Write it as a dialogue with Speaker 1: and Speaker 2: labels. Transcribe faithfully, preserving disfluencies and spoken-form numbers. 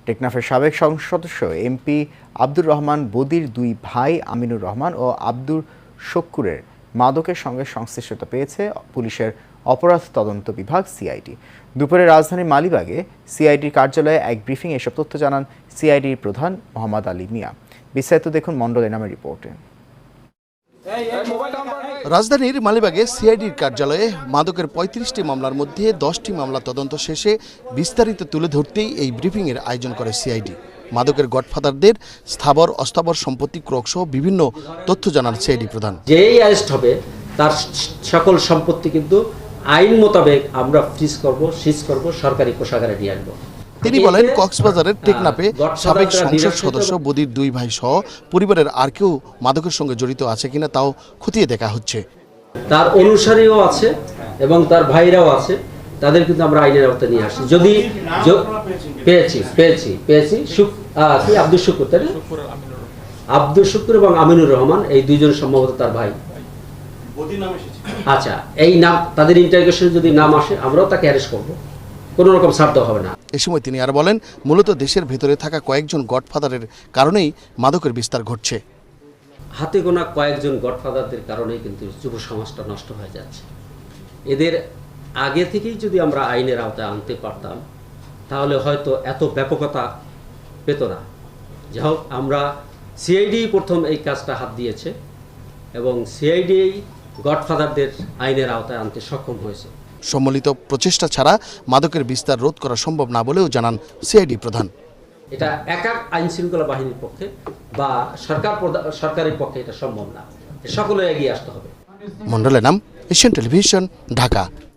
Speaker 1: টেকনাফের সাবেক সংসদ সদস্য এমপি আব্দুর রহমান বদির দুই ভাই আমিনুর রহমান ও আব্দুর শক্কুরের মাদকের সঙ্গে সংশ্লিষ্টতা পেয়েছে পুলিশের অপরাধ তদন্ত বিভাগ সিআইডি। দুপুরে রাজধানীর মালিবাগে সিআইডির কার্যালয়ে এক ব্রিফিং এসব তথ্য জানান সিআইডির প্রধান মোহাম্মদ আলী মিয়া। বিস্তারিত দেখুন মণ্ডল এনামের রিপোর্টে।
Speaker 2: রাজধানীর মালিবাগে সিআইডির কার্যালয়ে মাদকের পঁয়ত্রিশটি মামলার মধ্যে দশটি মামলা তদন্ত শেষে বিস্তারিত তুলে ধরতেই এই ব্রিফিংয়ের আয়োজন করে সিআইডি। মাদকের গডফাদারদের স্থাবর অস্থাবর সম্পত্তি ক্রোক সহ বিভিন্ন তথ্য জানান সিআইডি প্রধান।
Speaker 3: যেই অ্যারেস্ট হবে তার সকল সম্পত্তি কিন্তু আইন মোতাবেক আমরা ফ্রিজ করব, সিজ করব, সরকারি কোষাগারে নিয়ে আসবো।
Speaker 2: তিনি বলেন, কক্সবাজারের টেকনাফে সাবেক সংসদ সদস্য বদির দুই ভাই সহ পরিবারের আর কেউ মাদকের সঙ্গে জড়িত আছে কিনা তাও খতিয়ে দেখা হচ্ছে।
Speaker 3: তার অনুসারীও আছে এবং তার ভাইরাও আছে, তাদের কিন্তু আমরা আইনের আওতায় নিয়ে আসি। যদি পেয়েছি পেয়েছি পেয়েছি কি আব্দুল শুকুর, তাই না? আব্দুল শুকুর এবং আমিনুর রহমান এই দুইজন সম্ভবত তার ভাই। আচ্ছা, এই নাম তাদের ইন্টারোগেশনে যদি নাম আসে আমরাও তাকে অ্যারেস্ট করবো, কোনো রকম ছাড় দেওয়া হবে না।
Speaker 2: এ সময় তিনি আর বলেন, মূলত দেশের ভেতরে থাকা কয়েকজন গডফাদারের কারণেই মাদকের বিস্তার ঘটছে।
Speaker 3: হাতে গোনা কয়েকজন গডফাদারদের কারণেই কিন্তু যুব সমাজটা নষ্ট হয়ে যাচ্ছে। এদের আগে থেকেই যদি আমরা আইনের আওতায় আনতে পারতাম তাহলে হয়তো এত ব্যাপকতা পেত না। যাই হোক, আমরা সিআইডি প্রথম এই কাজটা হাত দিয়েছে এবং সিআইডি গডফাদারদের আইনের আওতায় আনতে সক্ষম হয়েছে।
Speaker 2: সম্মিলিত প্রচেষ্টা ছাড়া মাদকের বিস্তার রোধ করা সম্ভব না বলেও জানান সিআইডি প্রধান।
Speaker 3: এটা একা আইন শৃঙ্খলা বাহিনীর পক্ষে বা সরকার সরকারের পক্ষে এটা সম্ভব না, সকলে এগিয়ে আসতে হবে।
Speaker 2: মন্ডলের নাম, এশিয়ান টেলিভিশন, ঢাকা।